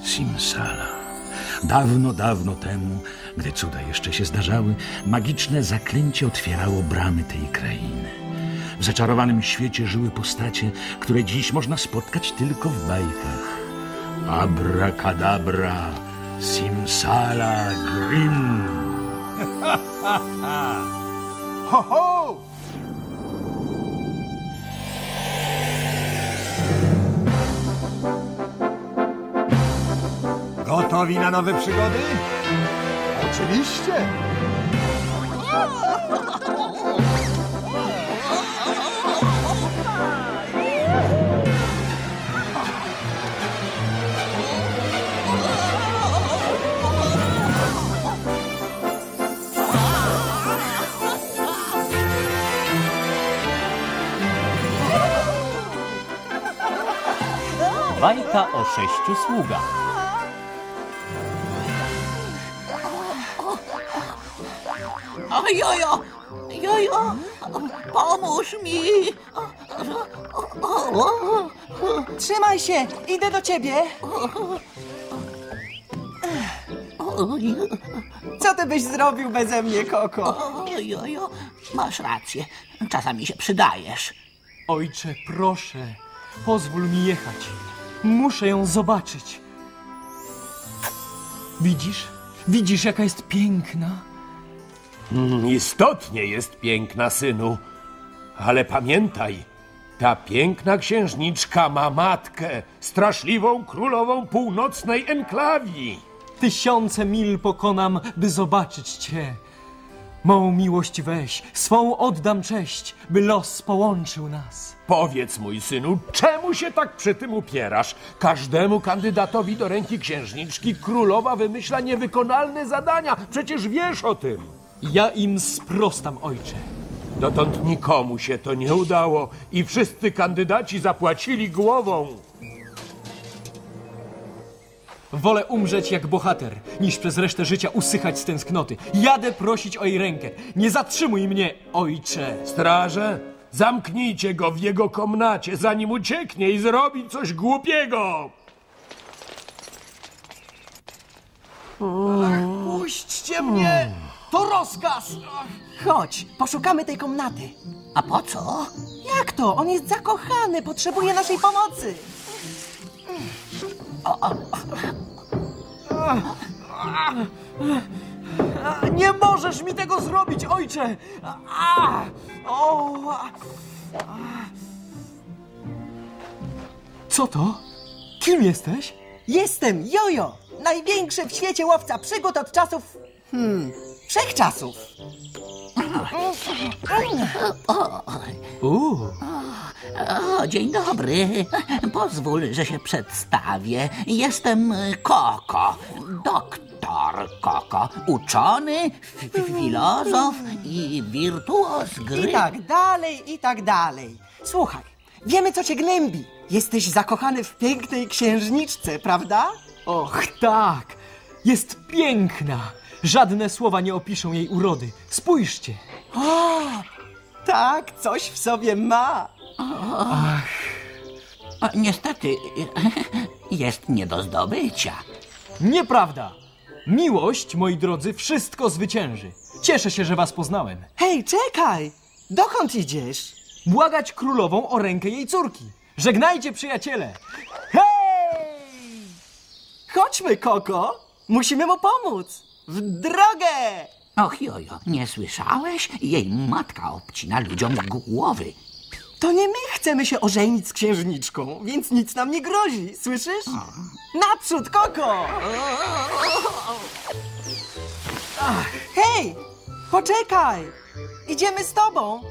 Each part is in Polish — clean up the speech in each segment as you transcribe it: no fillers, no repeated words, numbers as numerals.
Simsala. Dawno, dawno temu, gdy cuda jeszcze się zdarzały, magiczne zaklęcie otwierało bramy tej krainy. W zaczarowanym świecie żyły postacie, które dziś można spotkać tylko w bajkach. Abracadabra, Simsala, Grim. Ho, ho! Gotowi na nowe przygody? Oczywiście! Bajka o 6 sługach. Jojo! Jojo! Pomóż mi! Trzymaj się! Idę do ciebie! Co ty byś zrobił beze mnie, Koko? Jojo, masz rację. Czasami się przydajesz. Ojcze, proszę, pozwól mi jechać. Muszę ją zobaczyć. Widzisz? Widzisz, jaka jest piękna? Istotnie jest piękna, synu. Ale pamiętaj, ta piękna księżniczka ma matkę, straszliwą królową północnej enklawii. 1000 mil pokonam, by zobaczyć cię. Mą miłość weź, swą oddam cześć, by los połączył nas. Powiedz, mój synu, czemu się tak przy tym upierasz? Każdemu kandydatowi do ręki księżniczki królowa wymyśla niewykonalne zadania. Przecież wiesz o tym. Ja im sprostam, ojcze. Dotąd nikomu się to nie udało i wszyscy kandydaci zapłacili głową. Wolę umrzeć jak bohater, niż przez resztę życia usychać z tęsknoty. Jadę prosić o jej rękę. Nie zatrzymuj mnie, ojcze. Straże, zamknijcie go w jego komnacie, zanim ucieknie i zrobi coś głupiego. Puśćcie mnie! To rozkaz! Chodź, poszukamy tej komnaty. A po co? Jak to? On jest zakochany, potrzebuje naszej pomocy. Nie możesz mi tego zrobić, ojcze! Co to? Kim jesteś? Jestem Jojo, największy w świecie łowca przygód od czasów... wszechczasów. Dzień dobry. Pozwól, że się przedstawię. Jestem Koko. Doktor Koko. Uczony, filozof i wirtuoz gry. I tak dalej, i tak dalej. Słuchaj, wiemy, co cię gnębi. Jesteś zakochany w pięknej księżniczce, prawda? Och, tak. Jest piękna. Żadne słowa nie opiszą jej urody. Spójrzcie. Tak, coś w sobie ma. Niestety, jest nie do zdobycia. Nieprawda. Miłość, moi drodzy, wszystko zwycięży. Cieszę się, że was poznałem. Hej, czekaj! Dokąd idziesz? Błagać królową o rękę jej córki. Żegnajcie, przyjaciele. Hej! Chodźmy, Koko. Musimy mu pomóc. W drogę! Och, Jojo, nie słyszałeś? Jej matka obcina ludziom głowy. To nie my chcemy się ożenić z księżniczką, więc nic nam nie grozi, słyszysz? Naprzód, Koko! Hej, poczekaj! Idziemy z tobą!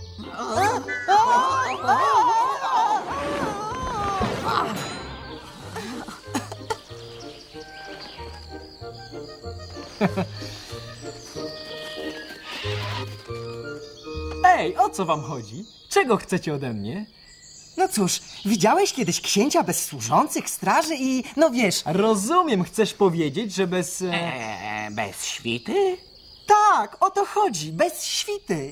Ej, o co wam chodzi? Czego chcecie ode mnie? No cóż, widziałeś kiedyś księcia bez służących, straży i... no wiesz... Rozumiem, chcesz powiedzieć, że bez... Bez świty? Tak, o to chodzi, bez świty.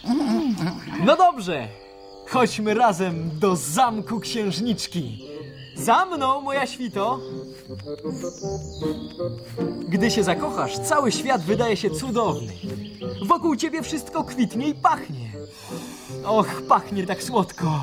No dobrze, chodźmy razem do zamku księżniczki. Za mną, moja świto! Gdy się zakochasz, cały świat wydaje się cudowny. Wokół ciebie wszystko kwitnie i pachnie. Och, pachnie tak słodko.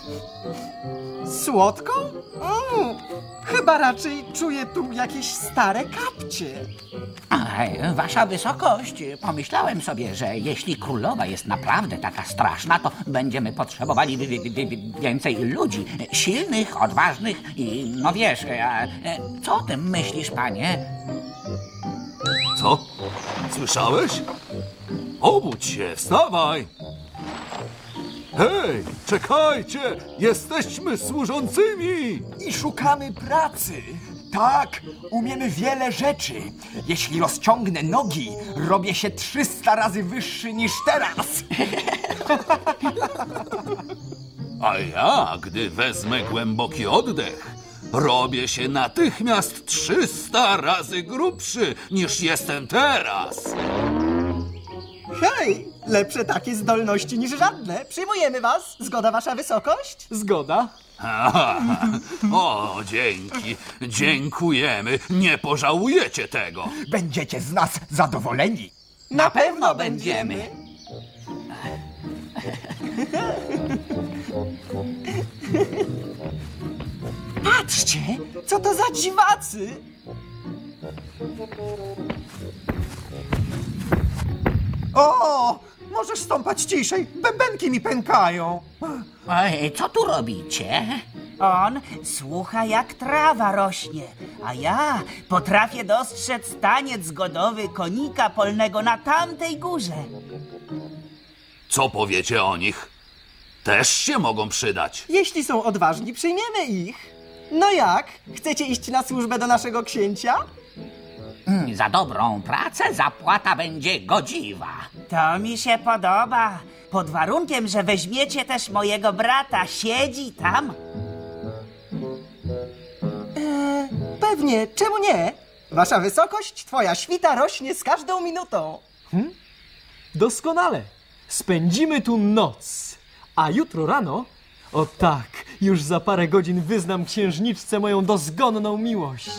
Słodko? Chyba raczej czuję tu jakieś stare kapcie. Wasza wysokość, pomyślałem sobie, że jeśli królowa jest naprawdę taka straszna, to będziemy potrzebowali więcej ludzi. Silnych, odważnych i no wiesz, co o tym myślisz, panie? Co? Słyszałeś? Obudź się, wstawaj! Hej, czekajcie! Jesteśmy służącymi! I szukamy pracy. Tak, umiemy wiele rzeczy. Jeśli rozciągnę nogi, robię się 300 razy wyższy niż teraz. A ja, gdy wezmę głęboki oddech, robię się natychmiast 300 razy grubszy niż jestem teraz. Hej, lepsze takie zdolności niż żadne. Przyjmujemy was. Zgoda, wasza wysokość? Zgoda? O, dzięki. Dziękujemy. Nie pożałujecie tego. Będziecie z nas zadowoleni. Na pewno będziemy. Patrzcie, co to za dziwacy. O, możesz stąpać ciszej. Bębenki mi pękają. Ej, co tu robicie? On słucha, jak trawa rośnie, a ja potrafię dostrzec taniec godowy konika polnego na tamtej górze. Co powiecie o nich? Też się mogą przydać. Jeśli są odważni, przyjmiemy ich. No jak? Chcecie iść na służbę do naszego księcia? Za dobrą pracę zapłata będzie godziwa. To mi się podoba, pod warunkiem, że weźmiecie też mojego brata, siedzi tam. Pewnie, czemu nie? Wasza wysokość, twoja świta rośnie z każdą minutą. Doskonale. Spędzimy tu noc. A jutro rano, o tak, już za parę godzin wyznam księżniczce moją dozgonną miłość.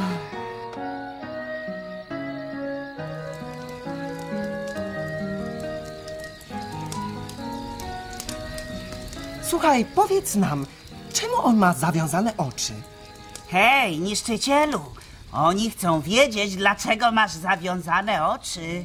Słuchaj, powiedz nam, czemu on ma zawiązane oczy? Hej, niszczycielu, oni chcą wiedzieć, dlaczego masz zawiązane oczy.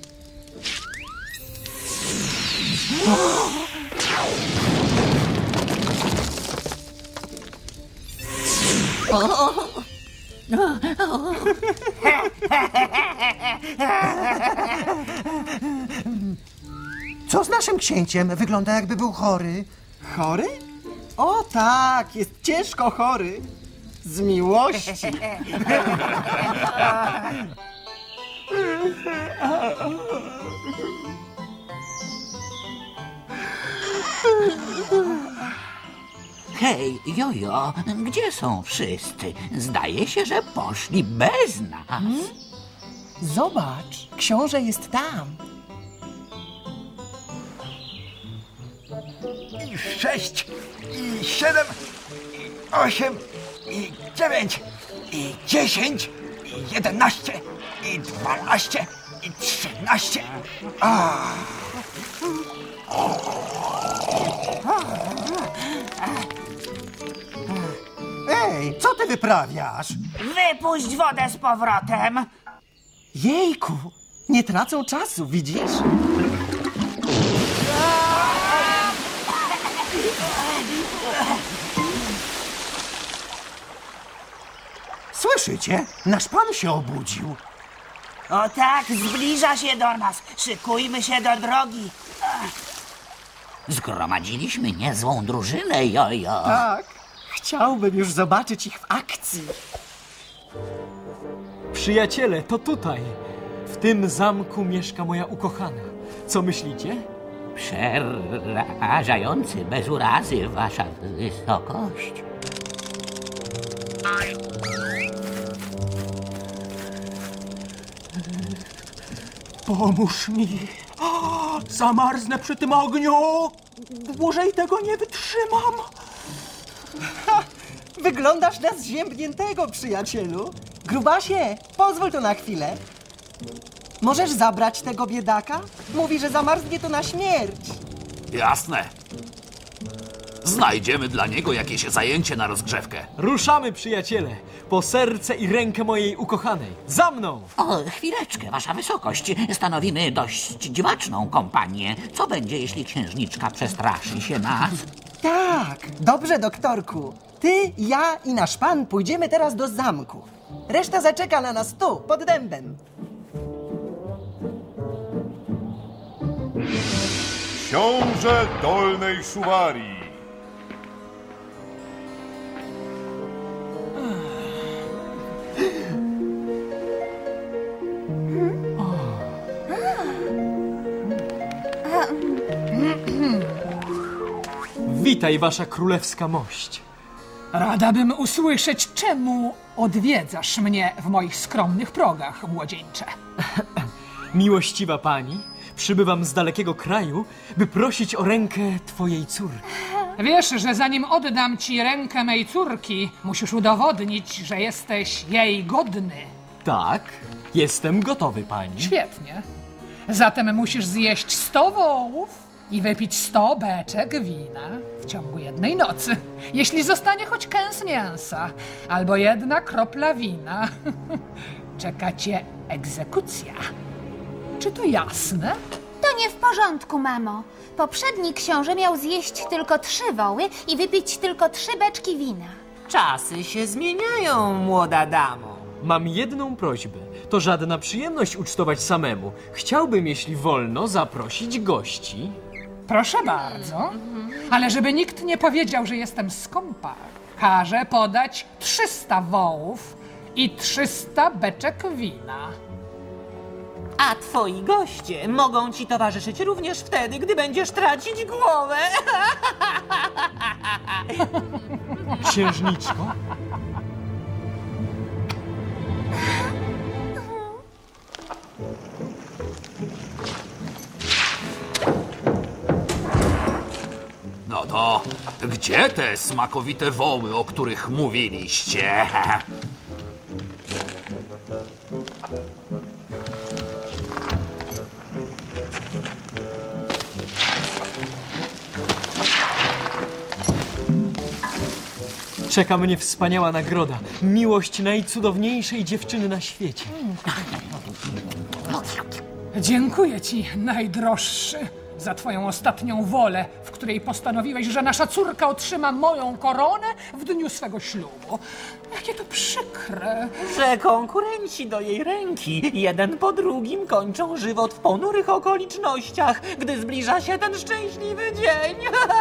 Co z naszym księciem? Wygląda, jakby był chory. Chory? O tak, jest ciężko chory. Z miłości. Hej, jojo, gdzie są wszyscy? Zdaje się, że poszli bez nas. Zobacz, książę jest tam. I 6, i 7, i 8, i 9, i 10, i 11, i 12, i 13. Ej, co ty wyprawiasz? Wypuść wodę z powrotem. Jejku, nie tracą czasu, widzisz? Słyszycie? Nasz pan się obudził. O tak, zbliża się do nas. Szykujmy się do drogi. Zgromadziliśmy niezłą drużynę, jojo. Tak, chciałbym już zobaczyć ich w akcji. Przyjaciele, to tutaj. W tym zamku mieszka moja ukochana. Co myślicie? Przerażający, bez urazy, wasza wysokość. Pomóż mi. O, zamarznę przy tym ogniu. Dłużej tego nie wytrzymam. Wyglądasz na zziębniętego, przyjacielu. Grubasie, pozwól to na chwilę. Możesz zabrać tego biedaka? Mówi, że zamarznie to na śmierć. Jasne. Znajdziemy dla niego jakieś zajęcie na rozgrzewkę. Ruszamy, przyjaciele, po serce i rękę mojej ukochanej. Za mną! O, chwileczkę, wasza wysokość. Stanowimy dość dziwaczną kompanię. Co będzie, jeśli księżniczka przestraszy się nas? Tak, dobrze, doktorku. Ty, ja i nasz pan pójdziemy teraz do zamku. Reszta zaczeka na nas tu, pod dębem. Książę Dolnej Szuwarii. Witaj, wasza królewska mość. Rada bym usłyszeć, czemu odwiedzasz mnie w moich skromnych progach, młodzieńcze. Miłościwa pani, przybywam z dalekiego kraju, by prosić o rękę twojej córki. Wiesz, że zanim oddam ci rękę mej córki, musisz udowodnić, że jesteś jej godny. Tak, jestem gotowy, pani. Świetnie. Zatem musisz zjeść 100 wołów i wypić 100 beczek wina w ciągu jednej nocy. Jeśli zostanie choć kęs mięsa albo 1 kropla wina, czeka cię egzekucja. Czy to jasne? To nie w porządku, mamo. Poprzedni książę miał zjeść tylko 3 woły i wypić tylko 3 beczki wina. Czasy się zmieniają, młoda damo. Mam jedną prośbę. To żadna przyjemność ucztować samemu. Chciałbym, jeśli wolno, zaprosić gości. Proszę bardzo. Ale żeby nikt nie powiedział, że jestem skąpa, każę podać 300 wołów i 300 beczek wina. A twoi goście mogą ci towarzyszyć również wtedy, gdy będziesz tracić głowę. Księżniczko? No to gdzie te smakowite woły, o których mówiliście? Czeka mnie wspaniała nagroda. Miłość najcudowniejszej dziewczyny na świecie. Dziękuję ci, najdroższy, za twoją ostatnią wolę, w której postanowiłeś, że nasza córka otrzyma moją koronę w dniu swego ślubu. Jakie to przykre. Że konkurenci do jej ręki jeden po drugim kończą żywot w ponurych okolicznościach, gdy zbliża się ten szczęśliwy dzień.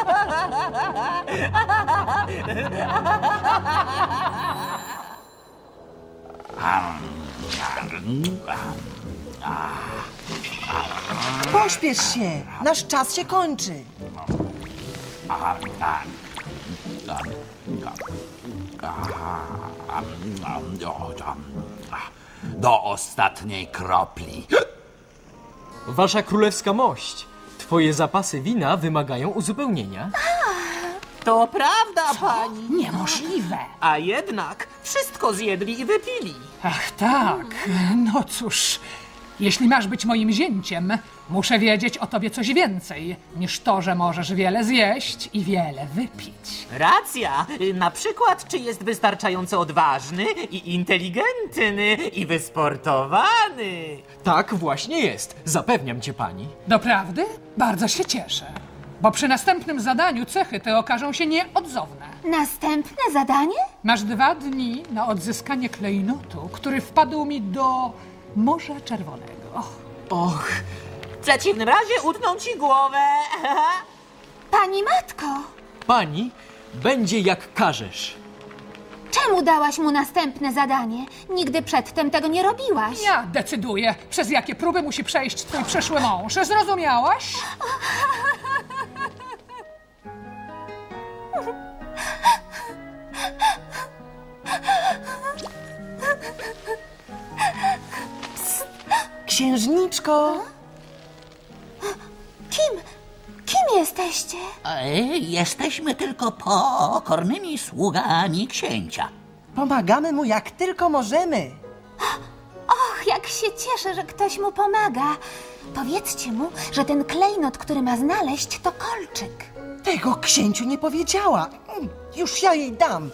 Pośpiesz się, nasz czas się kończy. Do ostatniej kropli. Wasza królewska mość, twoje zapasy wina wymagają uzupełnienia. To prawda, pani. Niemożliwe. A jednak wszystko zjedli i wypili. Ach tak, no cóż, jeśli masz być moim zięciem, muszę wiedzieć o tobie coś więcej niż to, że możesz wiele zjeść i wiele wypić. Racja. Na przykład, czy jest wystarczająco odważny i inteligentny i wysportowany. Tak właśnie jest, zapewniam cię, pani. Doprawdy? Bardzo się cieszę, bo przy następnym zadaniu cechy te okażą się nieodzowne. Następne zadanie? Masz 2 dni na odzyskanie klejnotu, który wpadł mi do Morza Czerwonego. Och, W przeciwnym razie utną ci głowę. Pani matko, pani będzie jak każesz. czemu dałaś mu następne zadanie? Nigdy przedtem tego nie robiłaś. Ja decyduję, przez jakie próby musi przejść twój przyszły mąż. Zrozumiałaś? Księżniczko! Kim jesteście? Jesteśmy tylko pokornymi sługami księcia. Pomagamy mu jak tylko możemy. Och, jak się cieszę, że ktoś mu pomaga. Powiedzcie mu, że ten klejnot, który ma znaleźć, to kolczyk. Tego księciu nie powiedziała. Już ja jej dam.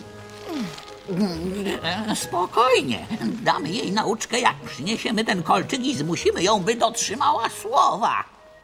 Spokojnie. Damy jej nauczkę, jak przyniesiemy ten kolczyk i zmusimy ją, by dotrzymała słowa.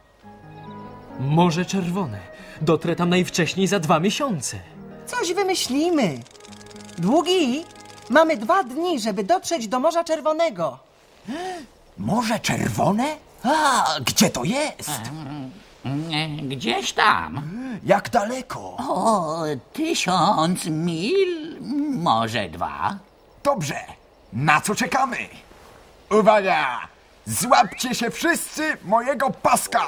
Morze Czerwone. Dotrę tam najwcześniej za 2 miesiące. Coś wymyślimy. Długi, mamy 2 dni, żeby dotrzeć do Morza Czerwonego. Morze Czerwone? A, gdzie to jest? Gdzieś tam. Jak daleko? O, 1000 mil, może 2. Dobrze, na co czekamy? Uwaga! Złapcie się wszyscy mojego paska!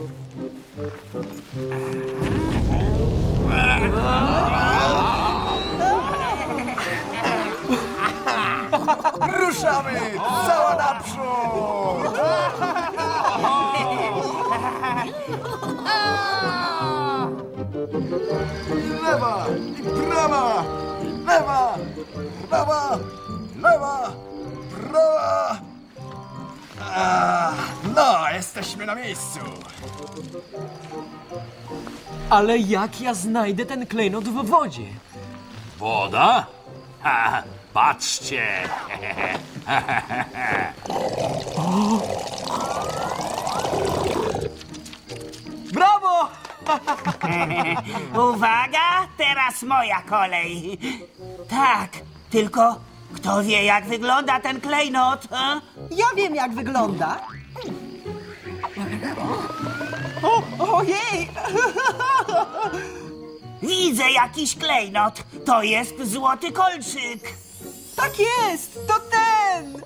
Ruszamy! Cała naprzód! Lewa i prawa! Lewa! Prawa! Lewa! Prawa! No, jesteśmy na miejscu. Ale jak ja znajdę ten klejnot w wodzie? Woda? Ha, patrzcie! Brawo! Uwaga, teraz moja kolej. Tak, tylko kto wie, jak wygląda ten klejnot? Ja wiem, jak wygląda. Ojej! Widzę jakiś klejnot. To jest złoty kolczyk. Tak jest! To ten!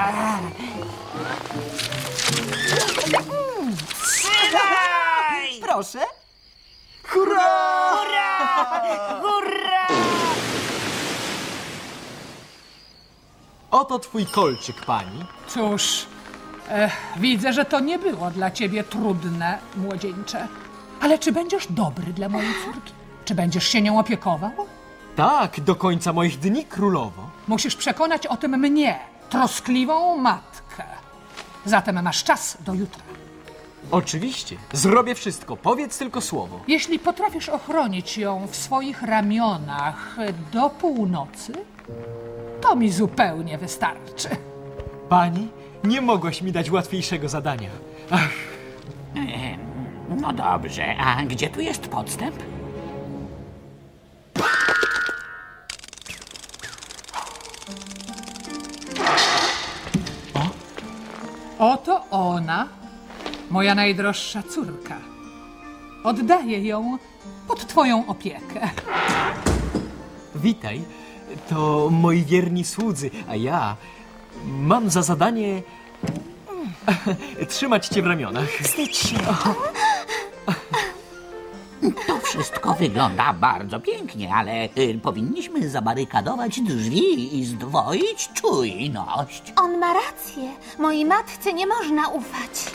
Trzymaj! Proszę. Hurra! Hurra! Hurra! Oto twój kolczyk, pani. Cóż, widzę, że to nie było dla ciebie trudne, młodzieńcze. Ale czy będziesz dobry dla mojej córki? Czy będziesz się nią opiekował? Tak, do końca moich dni, królowo. Musisz przekonać o tym mnie, troskliwą matkę. Zatem masz czas do jutra. Oczywiście, zrobię wszystko, powiedz tylko słowo. Jeśli potrafisz ochronić ją w swoich ramionach do północy, to mi zupełnie wystarczy. Pani, nie mogłaś mi dać łatwiejszego zadania. Ach, No dobrze, a gdzie tu jest podstęp? Oto ona, moja najdroższa córka. Oddaję ją pod twoją opiekę. witaj, to moi wierni słudzy, a ja mam za zadanie trzymać cię w ramionach. Wstydź się. To wszystko wygląda bardzo pięknie, ale powinniśmy zabarykadować drzwi i zdwoić czujność. On ma rację. Mojej matce nie można ufać.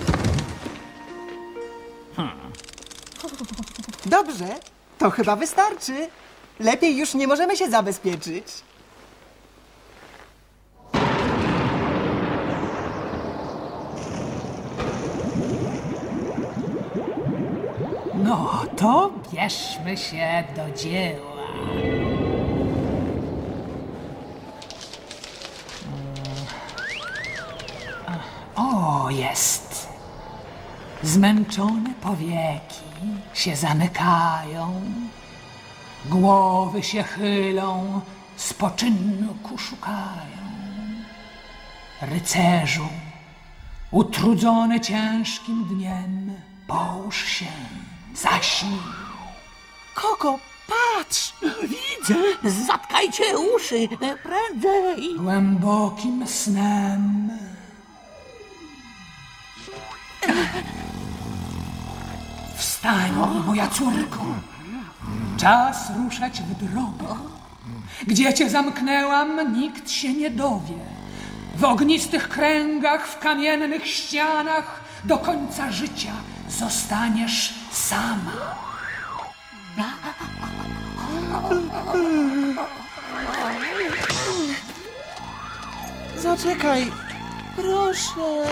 Dobrze, to chyba wystarczy. Lepiej już nie możemy się zabezpieczyć. No, to bierzmy się do dzieła. O, jest. Zmęczone powieki się zamykają. Głowy się chylą, spoczynku szukają. Rycerzu, utrudzony ciężkim dniem, połóż się, zaśnij. Koko, patrz! Widzę! Zatkajcie uszy! Prędzej! Głębokim snem. Wstań, moja córko. Czas ruszać w drogę. Gdzie cię zamknęłam, nikt się nie dowie. W ognistych kręgach, w kamiennych ścianach, do końca życia zostaniesz sama. Zaczekaj, proszę.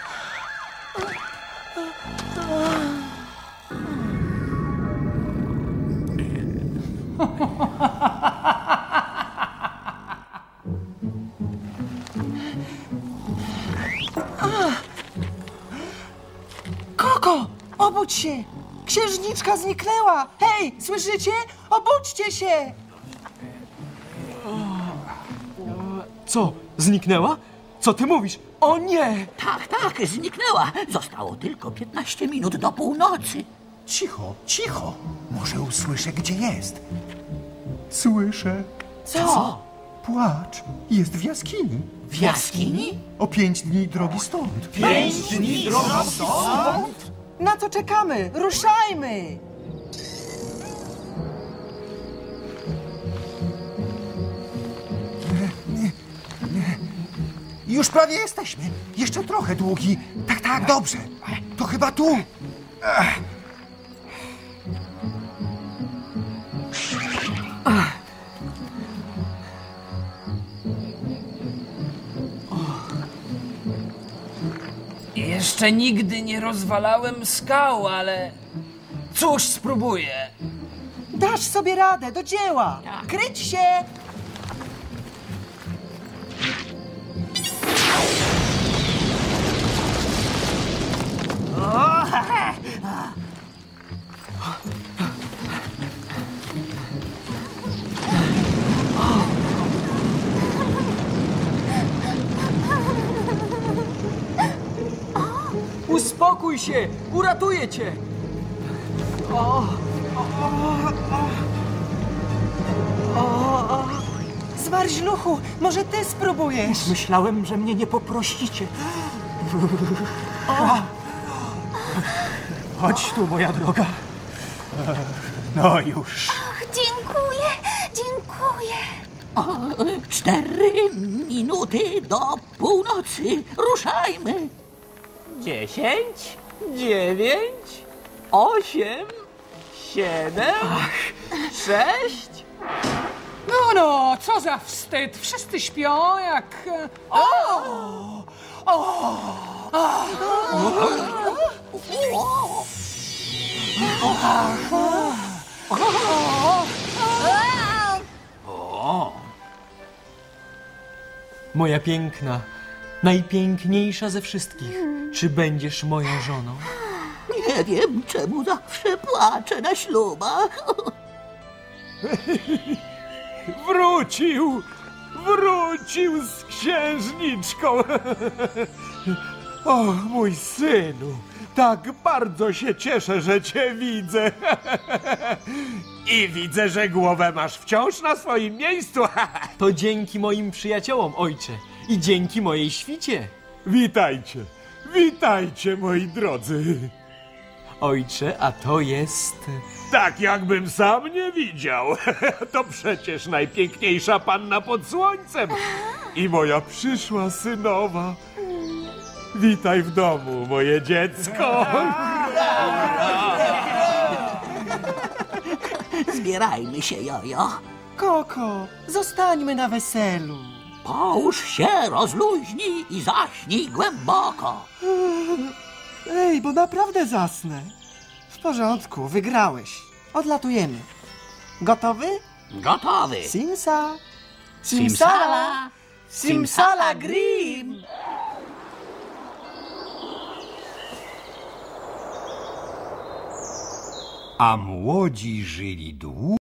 Koko, obudź się! Księżniczka zniknęła! Hej, słyszycie? Obudźcie się! Co, zniknęła? Co ty mówisz? O nie! Tak, zniknęła. Zostało tylko 15 minut do północy. Cicho, cicho. Może usłyszę, gdzie jest. Słyszę. Co? Płacz. Jest w jaskini. W jaskini? O 5 dni drogi stąd. 5 dni drogi stąd? Na co czekamy? Ruszajmy! Już prawie jesteśmy. Jeszcze trochę długi. Tak, dobrze. To chyba tu. Jeszcze nigdy nie rozwalałem skał, ale cóż, spróbuję. Dasz sobie radę, do dzieła! Kryć się! Uspokój się! Uratuję cię! Zmarzluchu, może ty spróbujesz? Myślałem, że mnie nie poprosicie. Chodź tu, moja droga. No już. Dziękuję. 4 minuty do północy. Ruszajmy. 10, 9, 8, 7, 6... No, co za wstyd. Wszyscy śpią jak... Moja piękna, najpiękniejsza ze wszystkich. Czy będziesz moją żoną? Nie wiem, czemu zawsze płaczę na ślubach. Wrócił z księżniczką. O, mój synu, tak bardzo się cieszę, że cię widzę. I widzę, że głowę masz wciąż na swoim miejscu. To dzięki moim przyjaciołom, ojcze. I dzięki mojej świcie. Witajcie, moi drodzy. Ojcze, a to jest... Tak jakbym sam nie widział. To przecież najpiękniejsza panna pod słońcem. I moja przyszła synowa. Witaj w domu, moje dziecko. Zbierajmy się, Jojo. Koko, zostańmy na weselu. Połóż się, rozluźnij i zaśnij głęboko. Ej, bo naprawdę zasnę. W porządku, wygrałeś. Odlatujemy. Gotowy? Gotowy. Simsa. Simsala. Simsala Grim. A młodzi żyli długo.